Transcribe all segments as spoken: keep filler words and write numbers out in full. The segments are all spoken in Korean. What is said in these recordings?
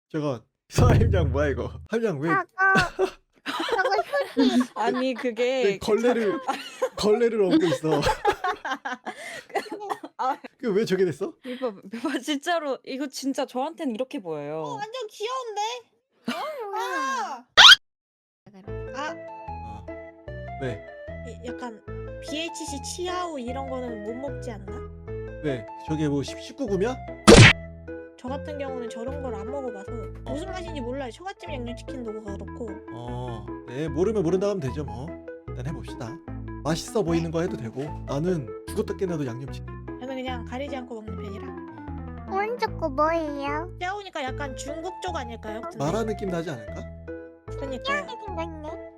저거 하임장 뭐야 이거? 하임장 왜, 저거 저거 휴지. 아니 왜 그게 걸레를 걸레를 얹고 있어? 아 그 왜 저게 됐어? 이거 봐 진짜로 이거 진짜 저한테는 이렇게 어, 보여요. 완전 귀여운데? 뭐야? 아, 아, 어. 네, 이- 약간 비에이치씨 치아오 이런 거는 못 먹지 않나? 왜 저게 뭐 십구 금이야? 저 같은 경우는 저런 걸 안 먹어봐서 무슨 맛인지 몰라요. 처갓집 양념치킨도 그렇고. 어, 네 모르면 모른다 하면 되죠 뭐. 일단 해봅시다. 맛있어 보이는 거 해도 되고 나는 죽었다 깨나도 양념치킨. 저는 그냥 가리지 않고 먹는 편이라. 어. 오른쪽 거 뭐예요? 치아오니까 약간 중국 쪽 아닐까요? 마라 느낌 나지 않을까? 그러니까요. 이렇게 생겼네.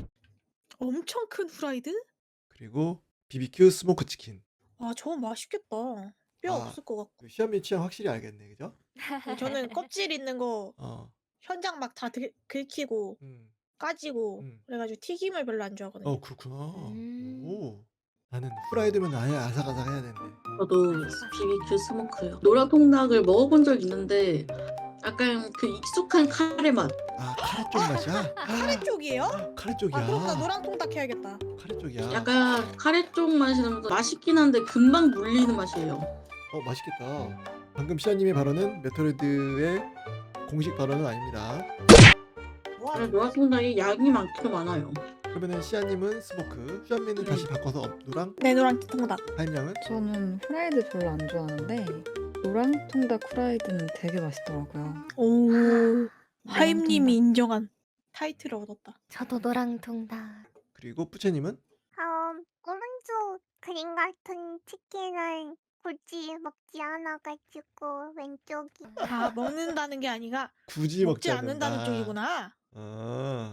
엄청 큰 후라이드? 그리고 비비큐 스모크 치킨. 와, 저거 맛있겠다. 뼈 아. 없을 것 같고. 그 시아미 취향 확실히 알겠네, 그죠? 저는 껍질 있는 거 어, 현장 막 다 긁히고 음, 까지고 음. 그래가지고 튀김을 별로 안 좋아하거든요. 어 그렇구나. 음. 오, 나는 후라이드면 아예 아삭아삭 해야 되는데. 저도 비비큐 스모크요. 노란 통닭을 먹어본 적 있는데 약간 그 익숙한 카레 맛. 아 카레 쪽 맛이야? 카레 쪽이에요? 아, 카레 쪽이야. 아, 그럼 나 노랑 통닭 해야겠다. 카레 쪽이야. 약간 카레 쪽 맛이 나면서 맛있긴 한데 금방 물리는 맛이에요. 어 맛있겠다. 방금 시아님의 발언은 메토로이드의 공식 발언은 아닙니다. 와, 그래, 노란 통닭이 양이 많기도 많아요. 그러면은 시아님은 스모크, 슈아미는 다시 바꿔서 업누랑, 네, 노랑 통닭. 하임양은 저는 후라이드 별로 안 좋아하는데 노랑 통닭 후라이드는 되게 맛있더라고요. 오, 하임님이 통닭. 인정한 타이틀을 얻었다. 저도 노랑통닭. 그리고 뿌체님은 음, 오른쪽 그림 같은 치킨을 굳이 먹지 않아가지고 왼쪽이. 아, 먹는다는 게 아니라 굳이 먹지, 먹지 않는다는 않는다. 쪽이구나. 아,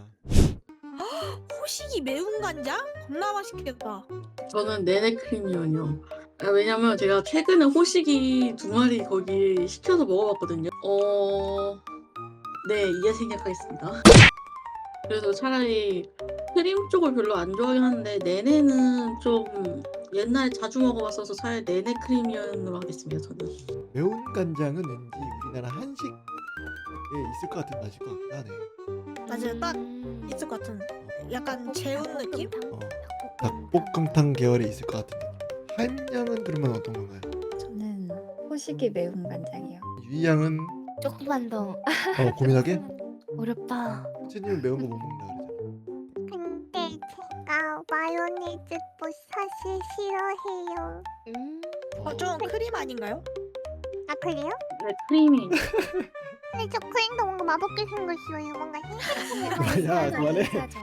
호식이 매운 간장? 겁나 맛있겠다. 저는 네네 크림이요. 아, 왜냐면 제가 최근에 호식이 두 마리 거기 시켜서 먹어봤거든요. 어, 네 이해 생각하겠습니다. 그래서 차라리 크림 쪽을 별로 안 좋아하긴 하는데 네네는 좀 옛날에 자주 먹어봤어서 차라리 네네 크림이언으로 하겠습니다. 저는. 매운 간장은 왠지 우리나라 한식에 있을 것 같은 맛일 것 같긴 하네. 맞아요, 딱 음. 있을 것 같은. 약간 재운 느낌? 어, 닭볶음탕 계열에 있을 것 같은 느낌. 하임양은 그러면 어떤 건가요? 저는 호식이 매운 간장이요. 유이양은 조금만 더. 어, 고민하게? 어렵다. 뿌체님은 매운 거 못 먹는다 그러잖아. 근데 제가 마요네즈 뭐 사실 싫어해요. 음. 어, 좀 크림 아닌가요? 아 그래요? 네 크림이. 근데 저 크림도 뭔가 맛없게 생겼어요. 뭔가 흰색이 야, 그만해.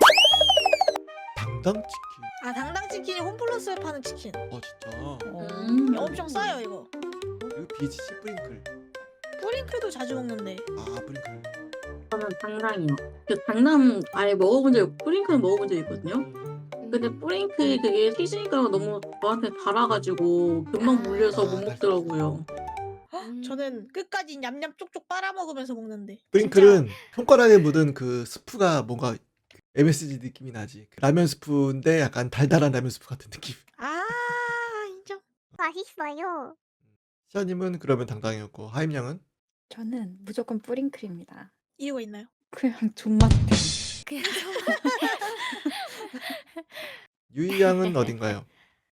당당치킨. 아, 당당치킨이 홈플러스에 파는 치킨. 어 진짜. 음. 엄청 싸요, 이거. 그리고 비지씨 뿌링클. 뿌링클도 자주 먹는데. 아 뿌링클. 저는 당당이요. 그 당당 아예 먹어본 적 있고 뿌링클 먹어본 적 있거든요. 근데 뿌링클 그게 시즈니까 너무 저한테 달아가지고 금방 물려서 못 먹더라고요. 저는 끝까지 냠냠 쪽쪽 빨아먹으면서 먹는데. 뿌링클은 손가락에 묻은 그 스프가 뭔가 엠에스지 느낌이 나지. 그 라면 스프인데 약간 달달한 라면 스프 같은 느낌. 아, 인정. 맛있어요. 시아님은 그러면 당당이었고 하임양은 저는 무조건 뿌링클입니다. 이유가 있나요? 그냥 존맛 때문에. 그냥 유이양은 어딘가요?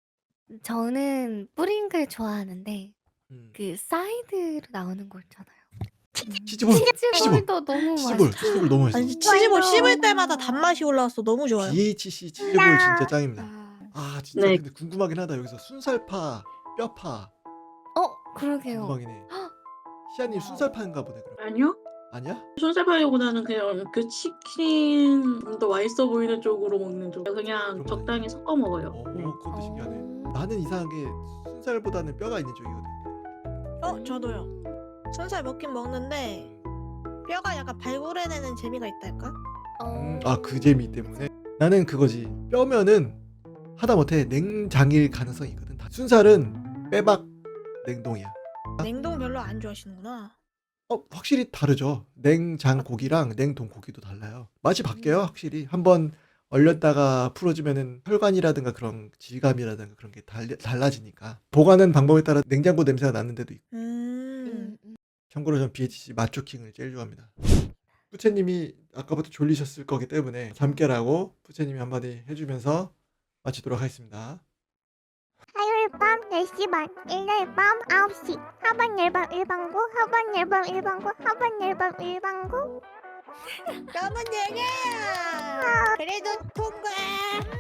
저는 뿌링클 좋아하는데 음. 그 사이드로 나오는 거 있잖아요. 치즈볼. 치즈볼. 치즈볼도 너무 치즈볼. 맛있죠. 치즈볼 너무 맛있어. 아니, 치즈볼 씹을 때마다 단맛이 올라와서 너무 좋아요. 비에이치씨 치즈볼 진짜 짱입니다. 아, 아 진짜 네. 근데 궁금하긴 하다. 여기서 순살파, 뼈파 어, 그러게요. 궁금하긴 해. 시아님 순살파인가 보네 그럼. 아니요? 아니야? 손살파기보다는 그냥 그 치킨 좀 더 맛있어 보이는 쪽으로 먹는 쪽. 그냥 그럼 적당히 섞어 먹어요. 어, 네. 그것도 신기하네. 어. 나는 이상하게 순살보다는 뼈가 있는 쪽이거든. 어, 저도요. 순살 먹긴 먹는데 뼈가 약간 발굴해내는 재미가 있달까? 어. 아 그 재미 때문에 나는 그거지. 뼈면은 하다못해 냉장일 가능성이 있거든. 다- 순살은 빼박 냉동이야. 냉동 별로 안 좋아하시는구나. 어 확실히 다르죠. 냉장 고기랑 냉동 고기도 달라요. 맛이 바뀌어요 확실히. 한번 얼렸다가 풀어주면은 혈관이라든가 그런 질감이라든가 그런 게 달, 달라지니까 보관하는 방법에 따라 냉장고 냄새가 나는 데도 있고. 음. 음, 음. 참고로 전 비에이치씨 마초킹을 제일 좋아합니다. 푸체님이 아까부터 졸리셨을 거기 때문에 잠 깨라고 푸체님이 한마디 해주면서 마치도록 하겠습니다. 화요일 밤 네 시 반, 일요일 밤 아홉 시. 하반 앨범 일반고, 하반 앨범 일반고, 하반 앨범 일반고. 너무 느려. 그래도 통과.